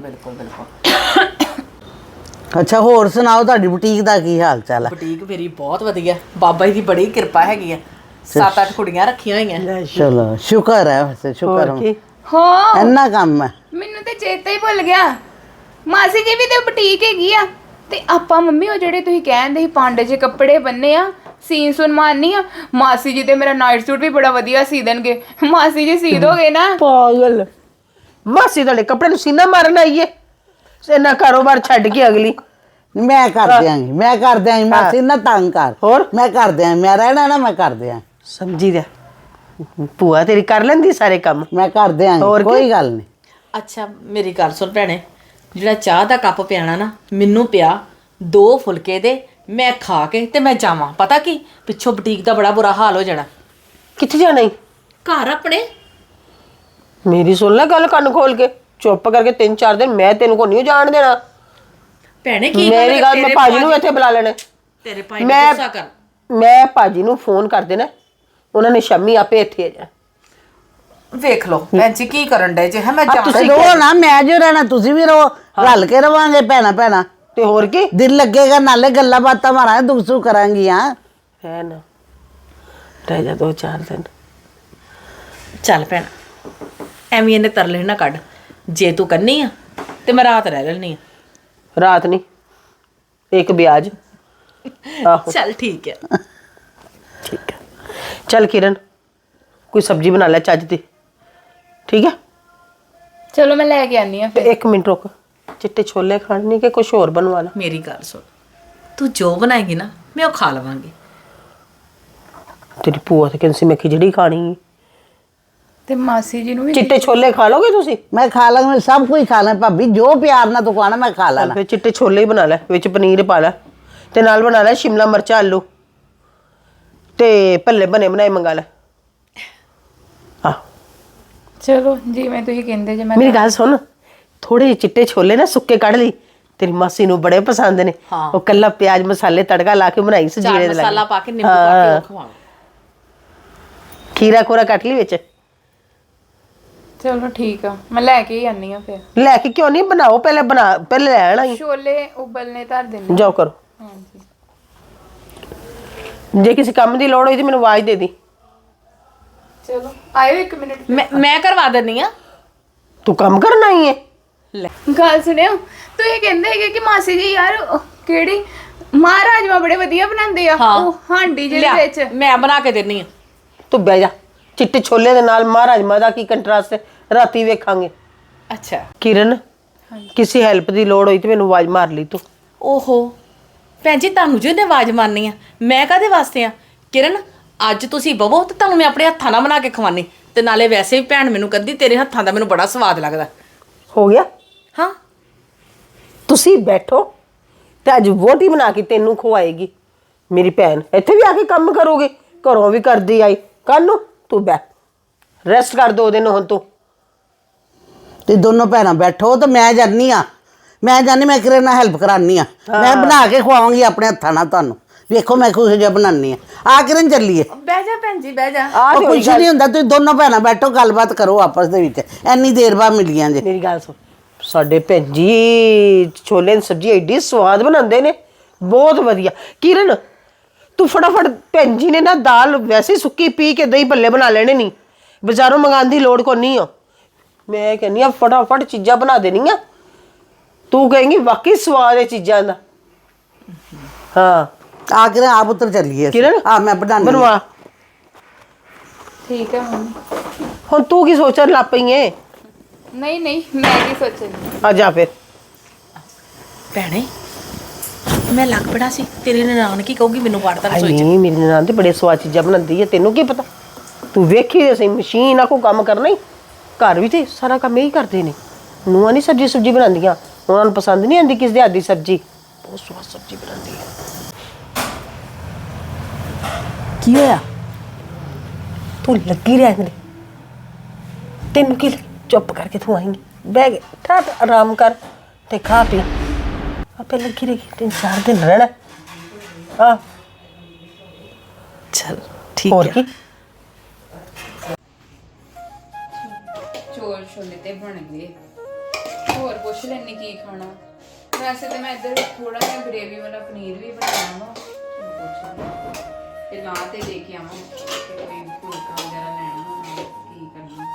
Speaker 3: ਅੱਛਾ ਹੋਰ ਸੁਣਾਓ ਤੁਹਾਡੀ ਬੁਟੀਕ ਦਾ ਕੀ ਹਾਲ ਚਾਲ ਹੈ?
Speaker 5: ਬੁਟੀਕ ਮੇਰੀ ਬਹੁਤ ਵਧੀਆ, ਬਾਬਾ ਜੀ ਦੀ ਬੜੀ ਕਿਰਪਾ ਹੈਗੀ ਆ। 7-8 ਕੁੜੀਆਂ ਰੱਖੀਆਂ ਹੋਈਆਂ।
Speaker 3: ਚਲੋ ਸ਼ੁਕਰ ਹੈ, ਵੈਸੇ ਸ਼ੁਕਰ
Speaker 1: ਹੋਰ ਕੀ?
Speaker 2: ਹਾਂ
Speaker 3: ਇੰਨਾ ਕੰਮ ਹੈ।
Speaker 2: ਮੈਨੂੰ ਤੇ ਚੇਤਾ ਹੀ ਭੁੱਲ ਗਿਆ, ਮਾਸੀ ਜੀ ਵੀ ਤੇ ਬੁਟੀਕ ਹੈਗੀ ਆ। ਤੇ ਆਪਾਂ ਮੰਮੀ ਉਹ ਜਿਹੜੇ ਤੁਸੀਂ ਕਹਿੰਦੇ ਸੀ ਪਾਂਡੇ ਜਿਹੇ ਕੱਪੜੇ ਬੰਨੇ ਆ, ਸੀਨ ਸੁਨ ਮਾਰਨੀ ਆ, ਮਾਸੀ ਜੀ ਤੇ ਮੇਰਾ ਨਾਈਟ ਸੂਟ ਵੀ ਬੜਾ ਵਧੀਆ ਸੀ ਦੇਣਗੇ। ਮਾਸੀ ਜੀ ਸੀ ਦੋਗੇ ਨਾ?
Speaker 1: ਪਾਗਲ ਮਾਸੀ ਤੁਹਾਡੇ ਕੱਪੜੇ ਨੂੰ ਸੀਨਾ ਮਾਰਨ ਆਈਏ? ਇੰਨਾ ਕਾਰੋਬਾਰ ਛੱਡ ਕੇ ਅਗਲੀ।
Speaker 3: ਮੈਂ ਕਰ ਦਿਆਂਗੀ, ਮੈਂ ਕਰ ਦਿਆਂਗੀ ਮਾਸੀ ਨਾ ਤੰਗ ਕਰ।
Speaker 1: ਹੋਰ
Speaker 3: ਮੈਂ ਕਰ ਦਿਆਂਗੀ, ਮੈਂ ਰਹਿਣਾ ਨਾ, ਮੈਂ ਕਰ ਦਿਆਂ,
Speaker 1: ਸਮਝੀ ਦਾ ਭੂਆ ਤੇਰੀ ਕਰ ਲੈਂਦੀ ਸਾਰੇ ਕੰਮ।
Speaker 3: ਮੈਂ ਕਰ
Speaker 1: ਹੋਰ
Speaker 3: ਦਿਆਂਗੀ,
Speaker 1: ਕੀ?
Speaker 3: ਕੋਈ ਗੱਲ ਨਹੀਂ।
Speaker 5: ਅੱਛਾ ਮੇਰੀ ਗੱਲ ਸੁਣ ਭੈਣੇ, ਜਿਹੜਾ ਚਾਹ ਦਾ ਕੱਪ ਪਿਆਣਾ ਨਾ ਮੈਨੂੰ ਪਿਆ, 2 ਫੁਲਕੇ ਦੇ, ਮੈਂ ਖਾ ਕੇ ਤੇ ਮੈਂ ਜਾਵਾਂ। ਪਤਾ ਕੀ ਪਿੱਛੋਂ ਬੁਟੀਕ ਦਾ ਬੜਾ ਬੁਰਾ ਹਾਲ ਹੋ ਜਾਣਾ।
Speaker 1: ਕਿੱਥੇ ਜਾਣਾ ਈ?
Speaker 5: ਘਰ ਆਪਣੇ।
Speaker 1: ਮੇਰੀ ਸੁਣ ਲੈ ਗੱਲ ਕੰਨ ਖੋਲ ਕੇ, ਚੁੱਪ ਕਰਕੇ 3-4 ਦਿਨ ਮੈਂ ਤੈਨੂੰ ਕੋ ਨਹੀਂ ਜਾਣ ਦੇਣਾ।
Speaker 5: ਭੈਣੇ ਕੀ
Speaker 1: ਮੇਰੀ ਗੱਲ ਮੈਂ ਭਾਜੀ ਨੂੰ ਇੱਥੇ ਬੁਲਾ ਲੈਣਾ।
Speaker 5: ਤੇਰੇ ਭਾਈ ਨੂੰ ਗੁੱਸਾ ਕਰ।
Speaker 1: ਮੈਂ ਭਾਜੀ ਨੂੰ ਫੋਨ ਕਰ ਦੇਣਾ, ਉਹਨਾਂ ਨੇ ਸ਼ਾਮੀ ਆਪੇ ਇੱਥੇ ਆ ਜਾਣਾ।
Speaker 5: ਵੇਖ ਲਓ ਭੈਣ ਜੀ ਕੀ ਕਰਨ ਡੇ ਜੇ। ਹਾਂ ਮੈਂ
Speaker 3: ਤੇ ਰੋ ਨਾ, ਮੈਂ ਜੋ ਰਹਿਣਾ ਤੁਸੀਂ ਵੀ ਰੋ, ਰਲ ਕੇ ਰਵਾਂਗੇ ਭੈਣਾ ਭੈਣਾ।
Speaker 1: ਤੇ ਹੋਰ ਕੀ
Speaker 3: ਦਿਲ ਲੱਗੇਗਾ, ਨਾਲੇ ਗੱਲਾਂ ਬਾਤਾਂ ਮਾਰਾਂਗੇ, ਦੁੱਖ ਸੁੱਖ ਕਰਾਂਗੀਆਂ।
Speaker 1: ਹੈ ਨਾ, ਰਹਿ ਜਾ 2-4 ਦਿਨ।
Speaker 5: ਚੱਲ ਭੈਣ ਐਵੇਂ ਇਹਨੇ ਤਰਲੇ ਨਾ ਕੱਢ। ਜੇ ਤੂੰ ਕੰਨੀ ਆ ਤੇ ਮੈਂ ਰਾਤ ਰਹਿ ਲੈਣੀ ਆ।
Speaker 1: ਰਾਤ ਨਹੀਂ, ਇੱਕ ਵਿਆਜ। ਆਹੋ
Speaker 5: ਚੱਲ ਠੀਕ ਹੈ।
Speaker 1: ਠੀਕ ਹੈ। ਚੱਲ ਕਿਰਨ, ਕੋਈ ਸਬਜ਼ੀ ਬਣਾ ਲੈ ਚੱਜ ਦੀ, ਠੀਕ ਹੈ?
Speaker 2: ਚਲੋ ਮੈਂ ਲੈ ਕੇ ਆਨੀ ਆ
Speaker 1: ਤੇ
Speaker 2: ਫਿਰ।
Speaker 1: 1 ਮਿੰਟ ਰੁਕ, ਚਿੱਟੇ ਛੋਲੇ ਖਾਣੇ ਕਿ ਕੁਝ ਹੋਰ ਬਣਵਾ ਲਾ।
Speaker 5: ਮੇਰੀ ਗੱਲ ਸੁਣ, ਤੂੰ ਜੋ ਬਣਾਏਗੀ ਨਾ ਮੈਂ ਉਹ ਖਾ ਲਵਾਂਗੀ।
Speaker 1: ਤੇਰੀ ਭੂਆ ਤੇ ਕਹਿੰਦੀ ਸੀ ਮੈਂ ਖਿਚੜੀ ਖਾਣੀ ਹੈ।
Speaker 2: ਤੇ ਮਾਸੀ ਜੀ ਨੂੰ ਵੀ
Speaker 1: ਚਿੱਟੇ ਛੋਲੇ ਖਾ ਲੋਗੇ ਤੁਸੀਂ?
Speaker 3: ਮੈਂ ਖਾ ਲਾਂਗੀ, ਮੈਂ ਸਭ ਕੁਝ ਖਾ ਲਾਂ ਭਾਬੀ, ਜੋ ਪਿਆਰ ਨਾਲ ਤੂੰ ਖਾਣਾ ਮੈਂ ਖਾ ਲੈਣਾ।
Speaker 1: ਫਿਰ ਚਿੱਟੇ ਛੋਲੇ ਹੀ ਬਣਾ ਲੈ, ਵਿੱਚ ਪਨੀਰ ਪਾ ਲੈ, ਤੇ ਨਾਲ ਬਣਾ ਲੈ ਸ਼ਿਮਲਾ ਮਿਰਚਾਂ ਆਲੂ, ਤੇ ਭੱਲੇ ਬਣੇ ਬਣਾਏ ਮੰਗਾ ਲੈ। ਆਹ
Speaker 2: ਚਲੋ ਜਿਵੇਂ ਤੁਸੀਂ ਕਹਿੰਦੇ ਜੇ ਮੈਂ
Speaker 1: ਮੇਰੀ ਗੱਲ ਸੁਣ, ਥੋੜੇ ਜਿਹੇ ਚਿੱਟੇ ਛੋਲੇ ਨਾ ਸੁੱਕੇ ਕੱਢ ਲਈ, ਤੇਰੀ ਮਾਸੀ ਨੂੰ ਬੜੇ ਪਸੰਦ ਨੇ।
Speaker 5: ਹਾਂ।
Speaker 1: ਉਹ ਕੱਲਾ ਪਿਆਜ਼ ਮਸਾਲੇ ਤੜਕਾ ਲਾ ਕੇ ਬਣਾਈ ਸੀ
Speaker 5: ਚਾਟ
Speaker 1: ਜੀਰੇ ਦੇ
Speaker 5: ਮਸਾਲਾ
Speaker 1: ਲਾਗੇ।
Speaker 5: ਪਾ ਕੇ ਨਿੰਬੂ ਪਾ ਕੇ ਉਹ ਖਵਾਓ।
Speaker 1: ਖੀਰਾ ਖੋਰਾ ਕੱਟ ਲਈ ਵਿੱਚ।
Speaker 2: ਚਲੋ ਠੀਕ ਆ, ਮੈਂ ਲੈ ਕੇ ਹੀ ਆਨੀ ਆ ਫਿਰ।
Speaker 1: ਲੈ ਕੇ ਕਿਉਂ ਨਹੀਂ ਬਣਾਓ, ਪਹਿਲੇ ਲੈ ਆਣਾ ਹੀ।
Speaker 2: ਛੋਲੇ ਉਬਲਨੇ ਧਰ ਦਿੰਦੇ।
Speaker 1: ਜਾਓ ਕਰੋ।
Speaker 2: ਹਾਂਜੀ
Speaker 1: ਜੇ ਕਿਸੇ ਕੰਮ ਦੀ ਲੋੜ ਹੋਈ ਤੇ ਮੈਨੂੰ ਆਵਾਜ਼ ਦੇ ਦੀ।
Speaker 2: ਚਲੋ ਆਇਓ 1 ਮਿੰਟ।
Speaker 5: ਮੈਂ ਕਰਵਾ ਦਿੰਨੀ ਆ।
Speaker 1: ਤੂੰ ਕੰਮ ਕਰਨਾ ਹੀ ਹੈ।
Speaker 5: ਲੈ
Speaker 2: ਗੱਲ ਸੁਣਿਓ, ਤੁਸੀਂ ਕਹਿੰਦੇ ਹੈਗੇ ਕਿ ਮਾਸੀ ਜੀ ਯਾਰ ਕਿਹੜੀ ਮਹਾਰਾਜਮਾ ਬੜੇ ਵਧੀਆ ਬਣਾਉਂਦੇ ਆ,
Speaker 5: ਹਾਂ।
Speaker 2: ਉਹ ਹਾਂਡੀ ਜਿਹਦੇ
Speaker 5: ਲਿਆ,
Speaker 2: ਵਿੱਚ।
Speaker 5: ਮੈਂ ਬਣਾ ਕੇ ਦਿੰਨੀ ਆ।
Speaker 1: ਤੂੰ ਬਹਿ ਜਾ, ਚਿੱਟੇ ਛੋਲੇ ਦੇ ਨਾਲ ਮਹਾਰਾਜਮਾ ਦਾ ਕੀ ਕੰਟਰਾਸਟ ਹੈ, ਰਾਤੀ ਵੇਖਾਂਗੇ।
Speaker 5: ਅੱਛਾ
Speaker 1: ਕਿਰਨ, ਕਿਸੇ ਹੈਲਪ ਦੀ ਲੋੜ ਹੋਈ ਤੇ ਮੈਨੂੰ ਆਵਾਜ਼ ਮਾਰ ਲਈ ਤੂੰ।
Speaker 5: ਓਹੋ ਭੈਣ ਜੀ ਤੁਹਾਨੂੰ ਜੋ ਇਹਨੇ ਆਵਾਜ਼ ਮਾਰਨੀ ਆ, ਮੈਂ ਕਾਹਦੇ ਵਾਸਤੇ ਆ? ਕਿਰਨ ਅੱਜ ਤੁਸੀਂ ਬਵੋ ਤੇ ਤੁਹਾਨੂੰ ਮੈਂ ਆਪਣੇ ਹੱਥਾਂ ਨਾਲ ਬਣਾ ਕੇ ਖਵਾਨੀ। ਤੇ ਨਾਲੇ ਵੈਸੇ ਵੀ ਭੈਣ ਮੈਨੂੰ ਕਹਿੰਦੀ ਤੇਰੇ ਹੱਥਾਂ ਦਾ ਮੈਨੂੰ ਬੜਾ ਸਵਾਦ ਲੱਗਦਾ।
Speaker 1: ਹੋ ਗਿਆ?
Speaker 5: ਹਾਂ
Speaker 1: ਤੁਸੀਂ ਬੈਠੋ ਤੇ ਅੱਜ ਵੋਟੀ ਬਣਾ ਕੇ ਤੈਨੂੰ ਖਵਾਏਗੀ ਮੇਰੀ ਭੈਣ। ਇੱਥੇ ਵੀ ਆ ਕੇ ਕੰਮ ਕਰੋਗੇ, ਘਰੋਂ ਵੀ ਕਰਦੀ ਆਈ, ਕੱਲ ਨੂੰ ਤੂੰ ਬੈ ਰੈਸਟ ਕਰ 2 ਦਿਨ ਹੁਣ ਤੂੰ।
Speaker 3: ਤੇ ਦੋਨੋਂ ਭੈਣਾਂ ਬੈਠੋ ਤੇ ਮੈਂ ਜਾਨੀ ਆ, ਮੈਂ ਕਿਰਨ ਨਾਲ ਹੈਲਪ ਕਰਾਨੀ ਆ। ਮੈਂ ਬਣਾ ਕੇ ਖਵਾਵਾਂਗੀ ਆਪਣੇ ਹੱਥਾਂ ਨਾਲ ਤੁਹਾਨੂੰ, ਵੇਖੋ ਮੈਂ ਕੁਝ ਜਿਹਾ ਬਣਾਉਣੀ ਆ ਕਿਰਨ ਚੱਲੀਏ।
Speaker 5: ਬਹਿ ਜਾ ਭੈਣ ਜੀ ਬਹਿ ਜਾ।
Speaker 1: ਆ
Speaker 3: ਉਹ ਕੁਛ ਨਹੀਂ ਹੁੰਦਾ, ਤੁਸੀਂ ਦੋਨੋਂ ਭੈਣਾਂ ਬੈਠੋ, ਗੱਲਬਾਤ ਕਰੋ ਆਪਸ ਦੇ ਵਿੱਚ, ਇੰਨੀ ਦੇਰ ਬਾਅਦ ਮਿਲੀਆਂ ਜੇ।
Speaker 1: ਮੇਰੀ ਗੱਲ ਸੁਣ, ਸਾਡੇ ਭੈਣ ਜੀ ਛੋਲੇ ਦੀ ਸਬਜ਼ੀ ਐਡੀ ਸਵਾਦ ਬਣਾਉਂਦੇ ਨੇ, ਬਹੁਤ ਵਧੀਆ। ਕਿਰਨ ਤੂੰ ਫਟਾਫਟ, ਭੈਣ ਜੀ ਨੇ ਨਾ ਦਾਲ ਵੈਸੇ ਸੁੱਕੀ ਪੀ ਕੇ ਦਹੀਂ ਭੱਲੇ ਬਣਾ ਲੈਣੇ, ਨਹੀਂ ਬਾਜ਼ਾਰੋਂ ਮੰਗਾਉਣ ਦੀ ਲੋੜ ਕੋਈ ਨਹੀਂ ਆ। ਮੈਂ ਕਹਿੰਦੀ ਆ ਫਟਾਫਟ ਚੀਜ਼ਾਂ ਬਣਾ ਦੇਣੀਆਂ, ਤੂੰ ਕਹੇਂਗੀ ਵਾਕਈ ਸਵਾਦ ਹੈ ਚੀਜ਼ਾਂ ਦਾ। ਹਾਂ
Speaker 3: ਆ ਕਿਰਨ ਆਪ ਉੱਤਰ ਚੱਲੀਏ।
Speaker 1: ਕਿਰਨ
Speaker 3: ਆ ਮੈਂ
Speaker 1: ਬਣਵਾ।
Speaker 2: ਠੀਕ ਹੈ ਮੰਮੀ।
Speaker 1: ਹੁਣ ਤੂੰ ਕੀ ਸੋਚਣ ਲੱਗ ਪਈ ਏ?
Speaker 2: ਨਹੀਂ ਨਹੀਂ ਮੈਂ ਕੀ ਸੋਚਣੀ।
Speaker 1: ਆ ਜਾ ਫਿਰ।
Speaker 5: ਭੈਣੇ ਮੈਂ ਲੱਗ ਪੜਾ ਸੀ ਤੇਰੇ ਨਨਾਣ ਕੀ ਕਹੂਗੀ ਮੈਨੂੰ ਵੜਦਾ ਰਸੋਈ ਚ।
Speaker 1: ਨਹੀਂ ਮੇਰੀ ਨਨਾਣ ਤੇ ਬੜੇ ਸਵਾਦ ਚੀਜ਼ਾਂ ਬਣਾਉਂਦੀ ਹੈ, ਤੈਨੂੰ ਕੀ ਪਤਾ? ਤੂੰ ਵੇਖੀ ਤੇ ਸਹੀ, ਮਸ਼ੀਨ ਆ ਕੋ ਕੰਮ ਕਰਨਾ ਹੀ, ਘਰ ਵੀ ਤੇ ਸਾਰਾ ਕੰਮ ਇਹੀ ਕਰਦੇ ਨੇ। ਨੂੰਹਾਂ ਨਹੀਂ ਸਬਜ਼ੀ ਬਣਾਉਂਦੀਆਂ, ਉਹਨਾਂ ਨੂੰ ਪਸੰਦ ਨਹੀਂ ਆਉਂਦੀ ਕਿਸੇ ਦੇ ਹੱਥ ਦੀ ਸਬਜ਼ੀ। ਬਹੁਤ ਸਵਾਦ ਸਬਜ਼ੀ ਬਣਾਉਂਦੀ ਹੈ।
Speaker 3: ਕੀ ਹੋਇਆ?
Speaker 1: ਤੂੰ ਲੱਗੀ ਰਹਿ ਦੇ, ਤੈਨੂੰ ਕੀ ਚੁੱਪ ਕਰਕੇ ਤੂੰ ਆਏਂਗੀ, ਬਹਿ ਕੇ ਠਾਠ ਆਰਾਮ ਕਰ ਤੇ ਖਾ ਪੀ। ਆਪੇ ਲੱਗੀ ਰਹੀ 3-4 ਦਿਨ ਰਹਿਣਾ ਆ
Speaker 5: ਚਲ ਠੀਕ
Speaker 1: ਹੋਰ ਕੀ
Speaker 2: ਚੋਲ ਛੋਲੇ ਤੇ ਬਣ ਗਏ ਹੋਰ ਪੁੱਛ ਲੈਣੀ ਕੀ ਖਾਣਾ ਵੈਸੇ ਤੇ ਮੈਂ ਇੱਧਰ ਥੋੜਾ ਜਿਹਾ ਗ੍ਰੇਵੀ ਵਾਲਾ ਪਨੀਰ ਵੀ ਬਣਾਉਣਾ ਵਾ ਪੁੱਛ ਲਾਂ। ਤੇ ਲਾ ਤੇ ਦੇ ਕੇ ਆਵਾਂ ਤੇ ਕੋਈ ਫੁਲਕਾ ਵਗੈਰਾ ਲੈਣਾ ਹੋਣਾ ਕੀ ਕਰਨਾ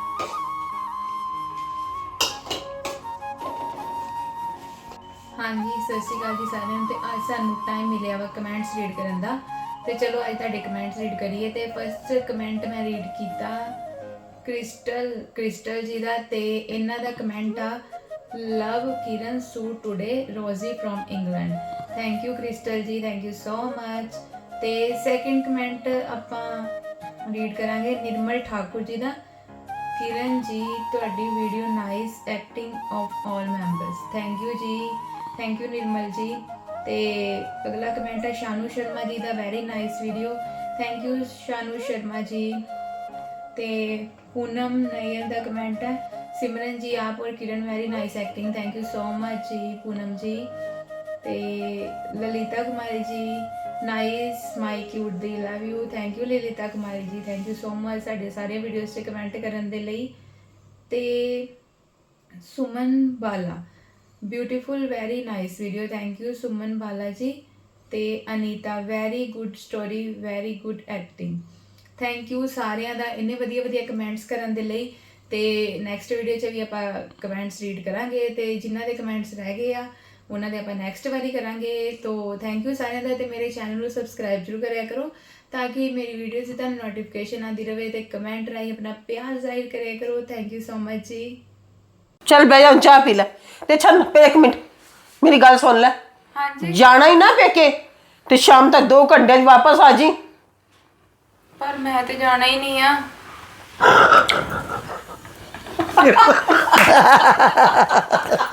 Speaker 2: ਹਾਂਜੀ ਸਤਿ ਸ਼੍ਰੀ ਅਕਾਲ ਜੀ ਸਾਰਿਆਂ ਨੂੰ ਤੇ ਅੱਜ ਸਾਨੂੰ ਟਾਈਮ ਮਿਲਿਆ ਵਾ ਕਮੈਂਟਸ ਰੀਡ ਕਰਨ ਦਾ ਤੇ ਚਲੋ ਅੱਜ ਤੁਹਾਡੇ ਕਮੈਂਟਸ ਰੀਡ ਕਰੀਏ ਤੇ ਫਸਟ ਕਮੈਂਟ ਮੈਂ ਰੀਡ ਕੀਤਾ ਕ੍ਰਿਸਟਲ ਜੀ ਦਾ ਤੇ ਇਹਨਾਂ ਦਾ ਕਮੈਂਟ ਆ love Kiran suit today Rosie from England thank you Crystal ji thank you so much ਤੇ ਸੈਕਿੰਡ ਕਮੈਂਟ ਆਪਾਂ ਰੀਡ ਕਰਾਂਗੇ ਨਿਰਮਲ ਠਾਕੁਰ ਜੀ ਦਾ ਕਿਰਨ ਜੀ ਤੁਹਾਡੀ video nice acting of all members thank you ji thank you Nirmal ji ਤੇ ਅਗਲਾ ਕਮੈਂਟ ਹੈ ਸ਼ਾਨੂ ਸ਼ਰਮਾ ਜੀ ਦਾ very nice video thank you Shanu Sharma ji ਤੇ ਪੂਨਮ ਨਈਅਰ ਦਾ ਕਮੈਂਟ ਹੈ सिमरन जी आप और Kiran very nice acting thank you so much ji Poonam ji ते Lalita Kumari ji nice my cute दी love you thank you Lalita Kumari ji thank you so much साढ़े सारे वीडियोस से कमेंट करन दे लई ते Suman Bala beautiful very nice video thank you Suman Bala ji ते Anita very good story very good acting thank you सारिਆਂ ਦਾ ਇੰਨੇ ਵਧੀਆ ਵਧੀਆ ਕਮੈਂਟਸ ਕਰਨ ਦੇ ਲਈ ਤੇ ਨੈਕਸਟ ਵੀਡੀਓ 'ਚ ਵੀ ਆਪਾਂ ਕਮੈਂਟਸ ਰੀਡ ਕਰਾਂਗੇ ਤੇ ਜਿਨ੍ਹਾਂ ਦੇ ਕਮੈਂਟਸ ਰਹਿ ਗਏ ਆ ਉਹਨਾਂ ਦੇ ਆਪਾਂ ਨੈਕਸਟ ਵਾਰੀ ਕਰਾਂਗੇ ਤੋ ਥੈਂਕ ਯੂ ਸਾਰਿਆਂ ਦਾ ਤੇ ਮੇਰੇ ਚੈਨਲ ਨੂੰ ਸਬਸਕ੍ਰਾਈਬ ਜ਼ਰੂਰ ਕਰਿਆ ਕਰੋ ਤਾਂ ਕਿ ਮੇਰੀ ਵੀਡੀਓਜ਼ ਦੀ ਤੁਹਾਨੂੰ ਨੋਟੀਫਿਕੇਸ਼ਨ ਆਉਂਦੀ ਰਹੇ ਤੇ ਕਮੈਂਟ ਰਾਹੀਂ ਆਪਣਾ ਪਿਆਰ ਜ਼ਾਹਿਰ ਕਰਿਆ ਕਰੋ ਥੈਂਕ ਯੂ ਸੋ ਮਚ ਜੀ
Speaker 1: ਚੱਲ ਬਹਿ ਜਾ ਹੁਣ ਚਾਹ ਪੀ ਲੈ ਤੇ ਛੱਡ ਫਿਰ 1 ਮਿੰਟ ਮੇਰੀ ਗੱਲ ਸੁਣ ਲੈ
Speaker 2: ਹਾਂਜੀ
Speaker 1: ਜਾਣਾ ਹੀ ਨਾ ਪੇਕੇ ਤੇ ਸ਼ਾਮ ਤੱਕ 2 ਘੰਟੇ 'ਚ ਵਾਪਸ ਆ ਜੀ
Speaker 2: ਪਰ ਮੈਂ ਤੇ ਜਾਣਾ ਹੀ ਨਹੀਂ ਆ